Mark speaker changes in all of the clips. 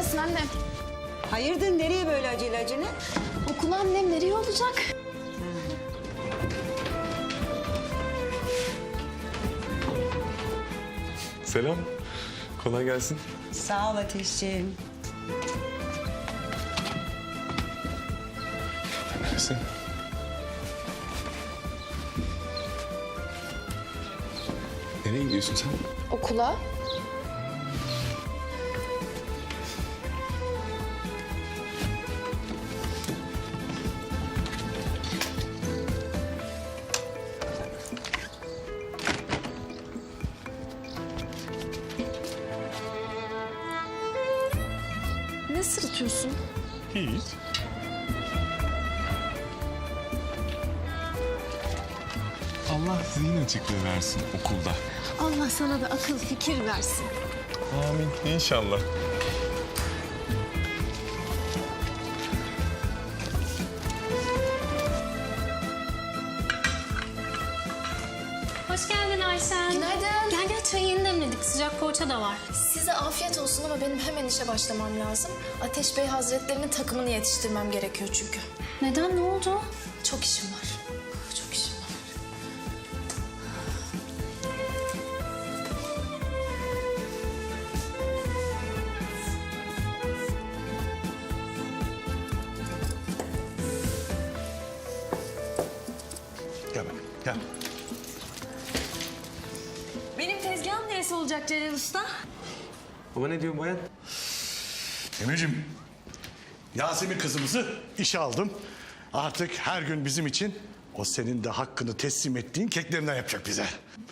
Speaker 1: Neredesin anne?
Speaker 2: Hayırdır, nereye böyle acele?
Speaker 1: Okula annem, nereye olacak?
Speaker 3: Selam. Kolay gelsin.
Speaker 2: Sağ ol Ateşciğim.
Speaker 3: Neresi? Nereye gidiyorsun sen?
Speaker 1: Okula. Ne sırıtıyorsun?
Speaker 3: Hiç. Allah zihin açıklığı versin okulda.
Speaker 1: Allah sana da akıl fikir versin.
Speaker 3: Amin. İnşallah.
Speaker 4: Hoş geldin Ayşen.
Speaker 1: Günaydın.
Speaker 4: Gel gel, çayı yeni demledik. Sıcak poğaça da var.
Speaker 1: Size afiyet olsun ama benim hemen işe başlamam lazım. Ateş Bey Hazretlerinin takımını yetiştirmem gerekiyor çünkü.
Speaker 4: Neden, ne oldu?
Speaker 1: Çok işim var. Çok işim var.
Speaker 5: Gel bakayım, gel.
Speaker 4: Benim tezgahım neresi olacak Celal Usta?
Speaker 3: Baba ne diyor bayan?
Speaker 5: Emir'cim, Yasemin kızımızı işe aldım. Artık her gün bizim için o senin de hakkını teslim ettiğin keklerinden yapacak bize.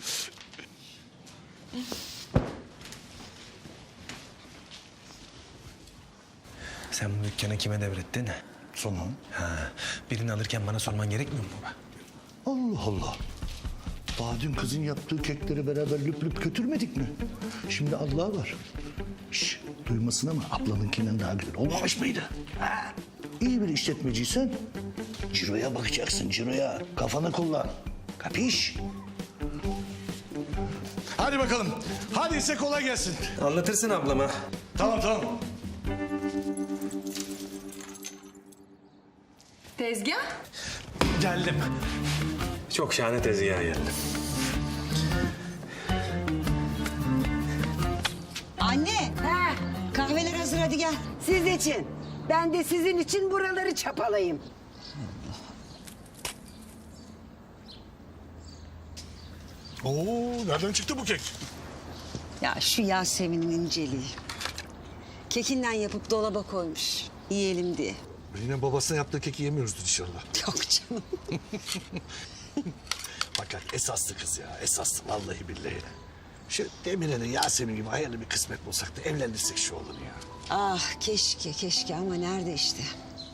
Speaker 6: Sen bu dükkanı kime devrettin?
Speaker 5: Sonra?
Speaker 6: Ha, birini alırken bana sorman gerekmiyor mu baba?
Speaker 5: Allah Allah. Daha dün kızın yaptığı kekleri beraber lüp lüp götürmedik mi? Şimdi Allah var. Şş, duymasın ama ablanınkinden daha güzel olmamış mıydı? Ha? İyi bir işletmeciysen ciroya bakacaksın, ciroya. Kafanı kullan. Kapiş? Hadi bakalım. Hadi ise kolay gelsin.
Speaker 6: Anlatırsın ablama.
Speaker 5: Tamam.
Speaker 1: Tezgah?
Speaker 6: Geldim. Çok şahane tezgaha geldim.
Speaker 2: Anne, kahveler hazır, hadi gel.
Speaker 7: Siz için. Ben de sizin için buraları çapalayayım.
Speaker 5: Oo, nereden çıktı bu kek?
Speaker 2: Ya şu Yasemin'in inceliği. Kekinden yapıp dolaba koymuş, yiyelim diye.
Speaker 5: Yine babasına yaptığı keki yemiyoruzdur inşallah.
Speaker 2: Yok canım.
Speaker 5: Fakat esaslı kız ya, esaslı vallahi billahi. Şu Demire'nin Yasemin gibi hayırlı bir kısmet bulsak da evlendirsek şu oğlunu ya.
Speaker 2: Ah keşke ama nerede işte.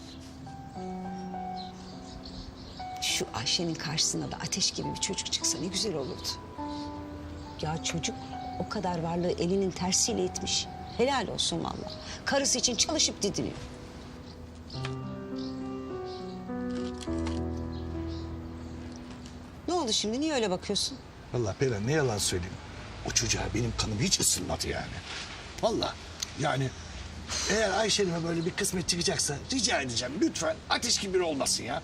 Speaker 2: Şu Ayşe'nin karşısına da Ateş gibi bir çocuk çıksa ne güzel olurdu. Ya çocuk o kadar varlığı elinin tersiyle itmiş. Helal olsun vallahi. Karısı için çalışıp didiniyor. Ne oldu şimdi? Niye öyle bakıyorsun?
Speaker 5: Vallahi Perihan ne yalan söyleyeyim. O çocuğa benim kanım hiç ısınmadı yani. Vallahi yani eğer Ayşe'nime böyle bir kısmet çıkacaksa rica edeceğim lütfen Ateş gibi biri olmasın ya.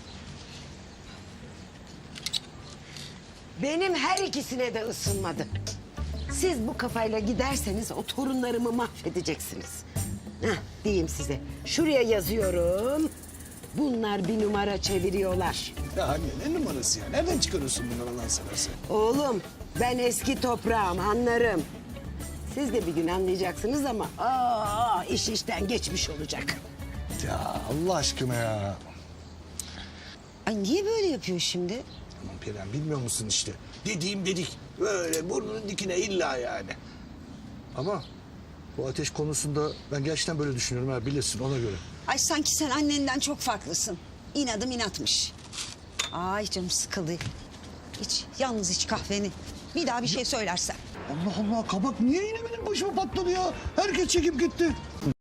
Speaker 7: Benim her ikisine de ısınmadı. Siz bu kafayla giderseniz o torunlarımı mahvedeceksiniz. Heh, diyeyim size. Şuraya yazıyorum. Bunlar bir numara çeviriyorlar.
Speaker 5: Ya anne ne numarası ya? Nereden çıkarıyorsun bunları Allah'ını seversen?
Speaker 7: Oğlum ben eski toprağım anlarım. Siz de bir gün anlayacaksınız ama iş işten geçmiş olacak.
Speaker 5: Ya Allah aşkına ya.
Speaker 2: Ay niye böyle yapıyor şimdi?
Speaker 5: Aman Perihan bilmiyor musun işte? Dediğim dedik. Böyle burnunun dikine illa yani. Ama bu Ateş konusunda ben gerçekten böyle düşünüyorum ha bilirsin ona göre.
Speaker 2: Ay sanki sen annenden çok farklısın. İnadım inatmış. Ay canım sıkıldı. İç, yalnız iç kahveni. Bir daha bir şey söylersen.
Speaker 5: Allah Allah kabak niye yine benim başıma patladı ya? Herkes çekip gitti.